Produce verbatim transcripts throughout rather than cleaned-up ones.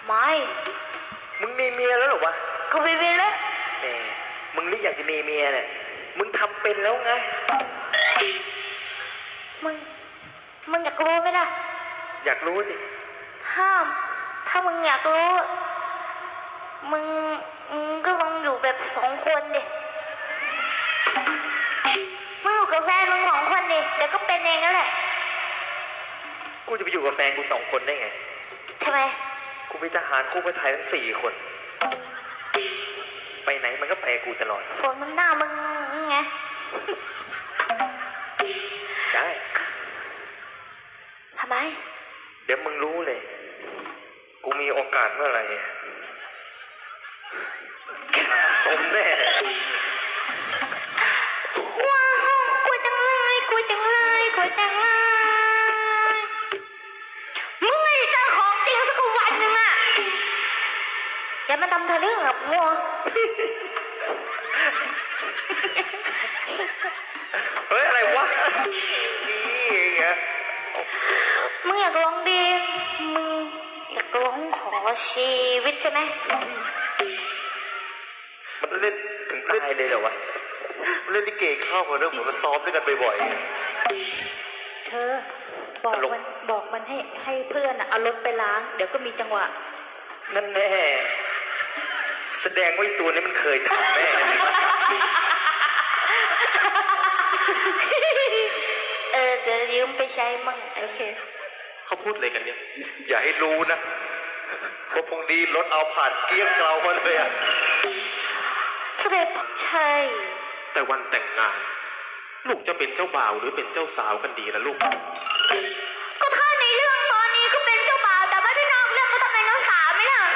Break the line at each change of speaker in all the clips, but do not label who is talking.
ไม่
มึงมีเมียแล้วหรอวะ
กูไม่มีแล้ว
แหมมึงนี่อยากจะมีเมียเนี่ยมึงทำเป็นแล้วไง
มึงมึงอยากรู้ไหมล่ะ
อยากรู้สิ
ห้ามถ้ามึงอยากรู้มึงมึงก็ลองอยู่แบบสองคนดิมึงอยู่กับแฟนมึงสองคนดิเดี๋ยวก็เป็นเองแล้วแหละ
กูจะไปอยู่กับแฟนกูสองคนได้ไง
ทำไม
กูมีทหารคู่ไปไทยทั้งสี่คนไปไหนมันก็ไปกูตลอด
ฝนมันหน้ามึงไง
ได้
ทำไม
เดี๋ยวมึงรู้เลยกูมีโอกาสเมื่อไหร่สมแน่
ว้าวกลัวจังเลยกลัวจังเลยกลัวจังเลยมึงไม่เจอของจริงสักวันหนึ่งอะอย่ามาทำทะลึ่งกับมัว
เฮ้ยอะไรวะนี่ไง
มึงอยากลองดีมึงอยากลองขอชีวิตใช่ไหม
มันเล่นถึงตายเลยเหรอวะเล่นลิเกเข้ามาเรื่องเหมือนมาซ้อมด้วยกันบ่อย
ๆเธอบอกมันบอกมันให้ให้เพื่อนอ่ะเอารถไปล้างเดี๋ยวก็มีจังหวะ
นั่นแน่แสดงว่าตัวนี้มันเคยทำแน่
เออเดี๋ยวยืมไปใช้มั่งโอเค
เขาพูดอะไรกันเนี่ยอย่าให้รู้นะว่าพรุ่งนี้รถเอาผ่านเกี้ยงเรามาเลยอะ
เสด็จใช่
แต่วันแต่งงานลูกจะเป็นเจ้าบ่าวหรือเป็นเจ้าสาวกันดีล่ะลูก
ก็ถ้าในเรื่องตอนนี้ก็เป็นเจ้าบ่าวแต่ว่าที่นอกเรื่องก็ต้องเป็นเจ้าสาวไหมล่ะ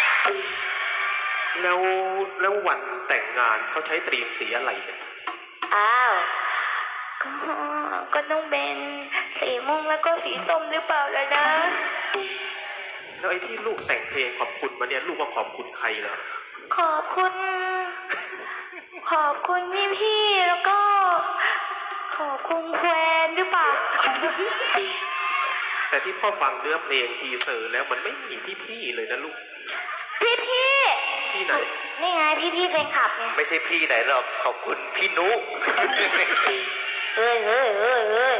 แล้วแล้ววันแต่งงานเขาใช้ตรีมสีอะไรกัน
อ้าวก็ก็ต้องเป็นสีม่วงแล้วก็สีส้มหรือเปล่าล่ะนะ
แล้วไอ้ที่ลูกแต่งเพลงขอบคุณมาเนี่ยลูกว่าขอบคุณใครล่ะ
ขอบคุณขอบคุณพี่พี่แล้วก็ขอบคุณแฟนหรือเปล่า
แต่ที่พ่อฟังเนื้อเพลงทีเซอร์แล้วมันไม่มีพี่พี่เลยนะลูก
พี่พี่
พี่ไหน
นี่ไงพี่พี่แฟนคลับไง
ไม่ใช่พี่ไหนหรอกขอบคุณพี่นุ๊ก
เฮ้ยเฮ้ยเฮ้ยเฮ้ย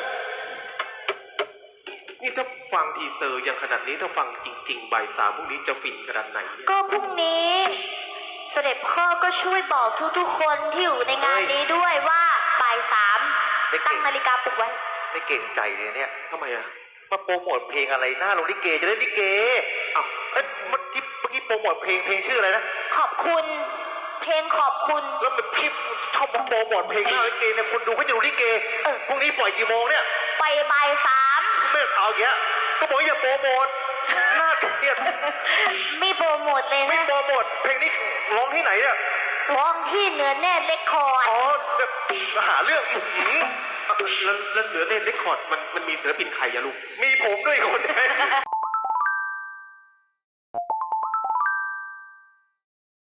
นี่ถ้าฟังทีเซอร์อย่างขนาดนี้ถ้าฟังจริงๆบ่ายสามพรุ่งนี้จะฟินขนาดไหนเนี่ย
ก็พรุ่งนี้เสด็จพ่อก็ช่วยบอกทุกๆคนที่อยู่ในงานนี้ด้วยว่าบ่ายสามตั้งนาฬิกาปลุกไว้
ไม่เก่งใจเลยเนี่ยทำไมอะมาโปรโมทเพลงอะไรหน้าลงลิเกจะเล่นลิเกอ้าวเอ้ยเมื่อกี้เมื่อกี้โปรโมทเพลงเพลงชื่ออะไรนะ
ขอบคุณเพลงขอบคุณ
แล้วมันพี่ชอบมาโปรโมทเพลงหน้าลิเกเนี่ยคนดูเขาจะดูลิเกพรุ่งนี้ปล่อยกี่โมงเนี่ย
ไปบ่ายสาม
ไม่เอาอย่างเงี้ยก็บอกอย่าโปรโมทน่าเกลียด
ไม่โปรโมทเลยนะ
ไม่โปรโมทเพลงนี้ร้องที่ไหนเนี่ย
ร้องที่เนื้อแน่เรคคอร์ด
อ๋อหาเรื่องแล้วแล้วเหนือเน่นเรคคอร์ดมันมันมีศิลปินใครอะลูกมีผมด้วยคน